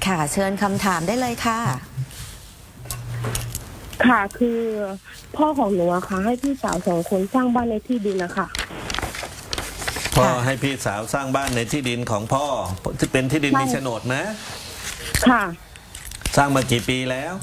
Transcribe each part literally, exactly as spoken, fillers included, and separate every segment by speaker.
Speaker 1: ค่ะเชิญคำถามได้เลยค่ะ
Speaker 2: ค่ะคือพ่อของหนูอะค่ะให้พี่สาวสองคนสร้างบ้านในที่ดินนะคะ
Speaker 3: พ่อให้พี่สาวสร้างบ้านในที่ดินของพ่อที่เป็นที่ดินมีโฉนดนะ
Speaker 2: ค่ะ
Speaker 3: สร้างมากี่ปีแล้ว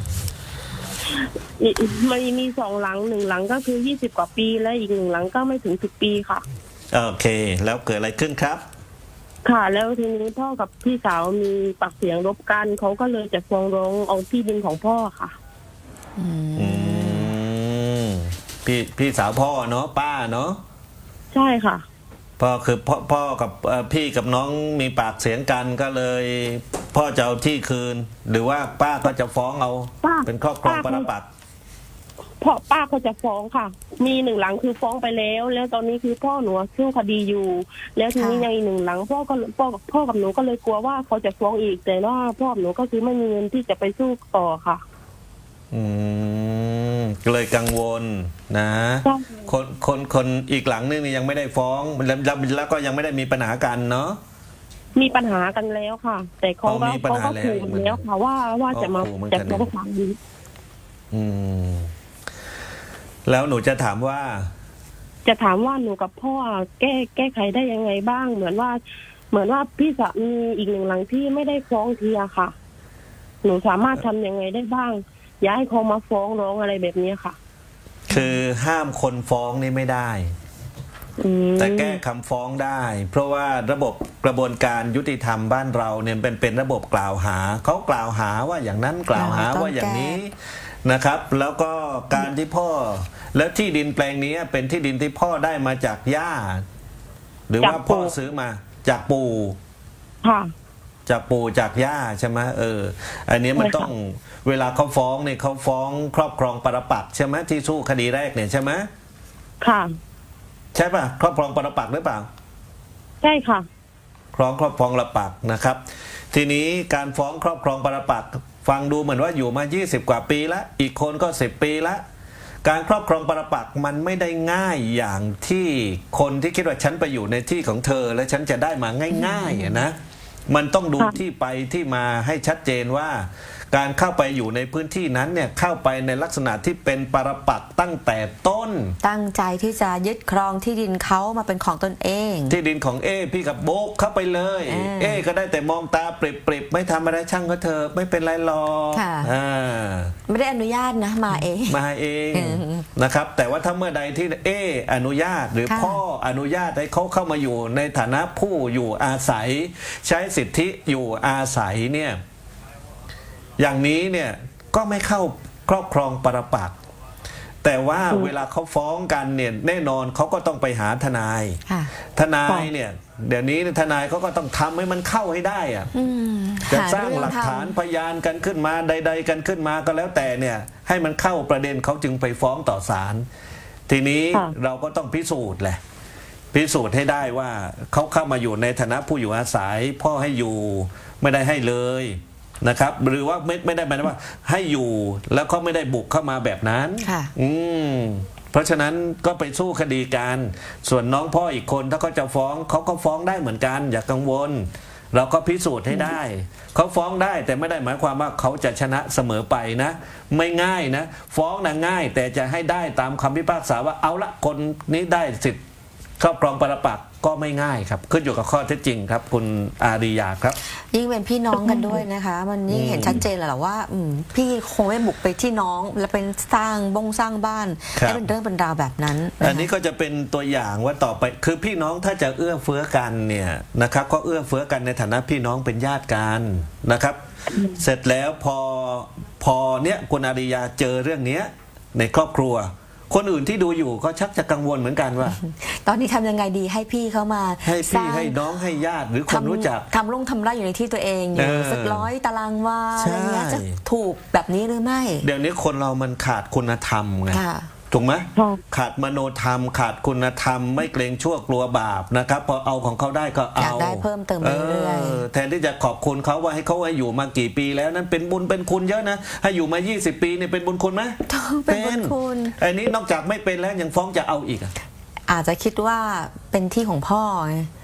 Speaker 2: มันมีสองหลังหนึ่งหลังก็คือยี่สิบกว่าปีและอีกหนึ่งหลังก็ไม่ถึงสิบปีค่ะ
Speaker 3: โอเคแล้วเกิดอะไรขึ้นครับ
Speaker 2: ค่ะแล้วทีนี้พ่อกับพี่สาวมีปากเสียงรบกันเขาก็เลยจะฟ้องร้องเอาที่ดินของพ่อค่ะ
Speaker 3: อืมพี่พี่สาวพ่อเนาะป้าเนาะ
Speaker 2: ใช่ค่ะ
Speaker 3: พ่อคือพ่อพ่อกับพี่กับน้องมีปากเสียงกันก็เลยพ่อจะเอาที่คืนหรือว่าป้าก็จะฟ้องเอาเป็นครอบครองปรปักษ์
Speaker 2: พ่อป้าก็จะฟ้องค่ะมีหนึ่งหลังคือฟ้องไปแล้วแล้วตอนนี้คือพ่อหนูสู้คดีอยู่แล้วทีนี้ยังอีกหนึ่งหลังพ่อก็พ่อกับพ่อกับหนูก็เลยกลัวว่าเขาจะฟ้องอีกแต่ว่าพ่อหนูก็คือไม่มีเงินที่จะไปสู้ต่อค่ะ
Speaker 3: อืมเลยกังวลนะคนคนคนอีกหลังนึงยังไม่ได้ฟ้องแล้วแล้วก็ยังไม่ได้มีปัญหากันเนาะ
Speaker 2: มีปัญหากันแล้วค่ะแต่เขาก็เขาก็ขู่แล้วค่ะว่าว่าจะมาจะมาฟังดี
Speaker 3: อืมแล้วหนูจะถามว่า
Speaker 2: จะถามว่าหนูกับพ่อแก้แก้ไขได้ยังไงบ้างเหมือนว่าเหมือนว่าพี่สามีอีกหนึ่งหลังที่ไม่ได้ฟ้องเทียค่ะหนูสามารถทำยังไงได้บ้างอย่าให้เขามาฟ้องร้องอะไรแบบนี้ค่ะ
Speaker 3: คือห้ามคนฟ้องนี่ไม่ได้แต่แก้คำฟ้องได้ เพราะว่าระบบกระบวนการยุติธรรมบ้านเราเนี่ยเป็นเป็นระบบกล่าวหาเขากล่าวหาว่าอย่างนั้นกล่าวหาว่าอย่างนี้นะครับ แล้วก็การที่พ่อแล้วที่ดินแปลงนี้เป็นที่ดินที่พ่อได้มาจากย่าหรือว่าพ่อซื้อมาจากปู่
Speaker 2: ค่ะ
Speaker 3: จากปู่จากย่าใช่ไหมเอออันนี้มันต้องเวลาเขาฟ้องเนี่ยเขาฟ้องครอบครองปรปักษ์ใช่ไหมที่สู้คดีแรกเนี่ยใช่ไหม
Speaker 2: ค่ะ
Speaker 3: ใช่ป่ะครอบครองปรปักษ์หรือเปล่า
Speaker 2: ใช่ค่ะ
Speaker 3: ครองครอบครองปรปักษ์นะครับทีนี้การฟ้องครอบครองปรปักษ์ฟังดูเหมือนว่าอยู่มายี่สิบกว่าปีแล้วอีกคนก็สิบปีแล้วการครอบครองปรปักษ์มันไม่ได้ง่ายอย่างที่คนที่คิดว่าฉันไปอยู่ในที่ของเธอและฉันจะได้มาง่ายๆนะมันต้องดูที่ไปที่มาให้ชัดเจนว่าการเข้าไปอยู่ในพื้นที่นั้นเนี่ยเข้าไปในลักษณะที่เป็นปรปักษ์ตั้งแต่ต้น
Speaker 1: ตั้งใจที่จะยึดครองที่ดินเขามาเป็นของตนเอง
Speaker 3: ที่ดินของเอพี่กับโบกเข้าไปเลยเอ, เอก็ได้แต่มองตาปริบๆไม่ทำอะไรช่างก็เธอไม่เป็นไรหรอก
Speaker 1: ไม่ได้อนุญาตนะมาเอง
Speaker 3: มาเองนะครับแต่ว่าถ้าเมื่อใดที่เออนุญาตหรือพ่ออนุญาตให้เขาเข้ามาอยู่ในฐานะผู้อยู่อาศัยใช้สิทธิอยู่อาศัยเนี่ยอย่างนี้เนี่ยก็ไม่เข้าครอบครองปรปักษ์แต่ว่าเวลาเขาฟ้องกันเนี่ยแน่นอนเขาก็ต้องไปหาทนายทนายเนี่ยเดี๋ยวนี้ทนายเขาก็ต้องทำให้มันเข้าให้ได้อะจะสร้างหลักฐานพยานกันขึ้นมาใดๆกันขึ้นมาก็แล้วแต่เนี่ยให้มันเข้าประเด็นเขาจึงไปฟ้องต่อศาลทีนี้เราก็ต้องพิสูจน์แหละพิสูจน์ให้ได้ว่าเขาเข้ามาอยู่ในฐานะผู้อยู่อาศัยพ่อให้อยู่ไม่ได้ให้เลยนะครับหรือว่าไม่ไม่ได้หมายว่าให้อยู่แล้วเขาไม่ได้บุกเข้ามาแบบนั้นอืมเพราะฉะนั้นก็ไปสู้คดีกันส่วนน้องพ่ออีกคนถ้าเขาจะฟ้องเขาก็ฟ้องได้เหมือนกันอย่ากังวลเราก็พิสูจน์ให้ได้เขาฟ้องได้แต่ไม่ได้หมายความว่าเขาจะชนะเสมอไปนะไม่ง่ายนะฟ้องนะง่ายแต่จะให้ได้ตามคำพิพากษาว่าเอาละคนนี้ได้สิทธิ์ครอบครองปรปักษ์ก็ไม่ง่ายครับขึ้นอยู่กับข้อเท็จจริงครับคุณอาริยาครับ
Speaker 1: ยิ่งเป็นพี่น้องกันด้วยนะคะมันยิ่งเห็นชัดเจนแหละว่าพี่คงไม่บุกไปที่น้องและเป็นสร้างบงสร้างบ้านให้เป็นเรื่องเป็นราวแบบนั้น
Speaker 3: อันนี้ก็จะเป็นตัวอย่างว่าต่อไปคือพี่น้องถ้าจะเอื้อเฟื้อกันเนี่ยนะครับก็เอื้อเฟื้อกันในฐานะพี่น้องเป็นญาติกันนะครับเสร็จแล้วพอพอเนี้ยคุณอาริยาเจอเรื่องนี้ในครอบครัวคนอื่นที่ดูอยู่ก็ชักจะกังวลเหมือนกันว่า
Speaker 1: ตอนนี้ทำยังไงดีให้พี่เขามา
Speaker 3: ให้พี่ให้น้องให้ญาติหรือคนรู้จัก
Speaker 1: ทำลงทำไรอยู่ในที่ตัวเองอยู่สักร้อยตารางวาอะไรเงี้ยจะถูกแบบนี้หรือไม่
Speaker 3: เดี๋ยวนี้คนเรามันขาดคุณธรรมไงถูกไหมขาดมโนธรรมขาดคุณธรรมไม่เกรงชั่วกลัวบาปนะครับพอเอาของเขาได้ก็เอา
Speaker 1: อยากได้เพิ่มเติมเรื่อย
Speaker 3: ๆแทนที่จะขอบคุณเขาว่าให้เขาให้อยู่มากี่ปีแล้วนั้นเป็นบุญเป็นคุณเยอะนะให้อยู่มายี่สิบปีเนี่ยเป็นบุญคุณไหม
Speaker 1: เป็นบุญคุณ
Speaker 3: อันนี้นอกจากไม่เป็นแล้วยังฟ้องจะเอาอีก
Speaker 1: อาจจะคิดว่าเป็นที่ของพ่อ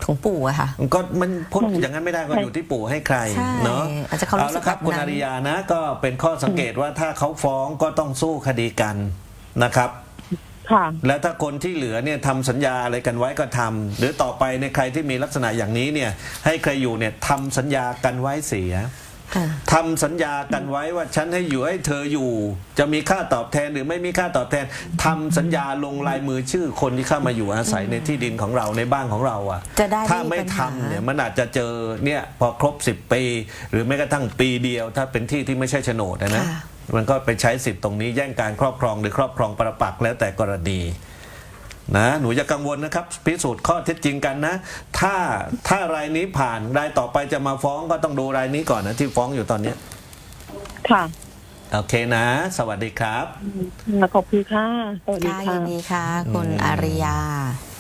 Speaker 1: ของปู่อะค่ะ
Speaker 3: ก็มันพูดอย่างนั้นไม่ได้ก็อยู่ที่ปู่ให้ใคร
Speaker 1: ใช่
Speaker 3: เนาะ
Speaker 1: อาจจะเขารู้สึก
Speaker 3: ละครับ
Speaker 1: แบบนั้น
Speaker 3: คุณอาริยานะก็เป็นข้อสังเกตว่าถ้าเขาฟ้องก็ต้องสู้คดีกันนะครับ
Speaker 2: ค่ะ
Speaker 3: แล้วถ้าคนที่เหลือเนี่ยทำสัญญาอะไรกันไว้ก็ทำหรือต่อไปในใครที่มีลักษณะอย่างนี้เนี่ยให้ใครอยู่เนี่ยทำสัญญากันไว้เสีย
Speaker 1: ค่ะ
Speaker 3: ทำสัญญากันไว้ว่าฉันให้อยู่ให้เธออยู่ จะมีค่าตอบแทนหรือไม่มีค่าตอบแทนทำสัญญาลงลายมือชื่อคนที่เข้ามาอยู่อาศัยในที่ดินของเราในบ้านของเราอ่ะ
Speaker 1: จะได้
Speaker 3: ถ้า
Speaker 1: ไม่
Speaker 3: ไม่
Speaker 1: มีปัญหา
Speaker 3: ทำเนี่ยมันอาจจะเจอเนี่ยพอครบสิบปี หรือแม้กระทั่งปีเดียว ถ้าเป็นที่ที่ไม่ใช่โฉนดนะนะ
Speaker 1: ค่ะ
Speaker 3: มันก็ไปใช้สิทธิ์ตรงนี้แย่งการครอบครองหรือครอบครองปรปักษ์แล้วแต่กรณีนะหนูอย่ากังวลนะครับพิสูจน์ข้อเท็จจริงกันนะ ถ้าถ้ารายนี้ผ่านรายต่อไปจะมาฟ้องก็ต้องดูรายนี้ก่อนนะที่ฟ้องอยู่ตอนเนี้ย
Speaker 2: ค่ะ
Speaker 3: โอเคนะ สวัสดีครับ
Speaker 2: ขอบคุณค่ะ สวัสดี
Speaker 1: ค่ะ
Speaker 2: ค่ะ
Speaker 1: ยินดีค่ะ คุณอาริยา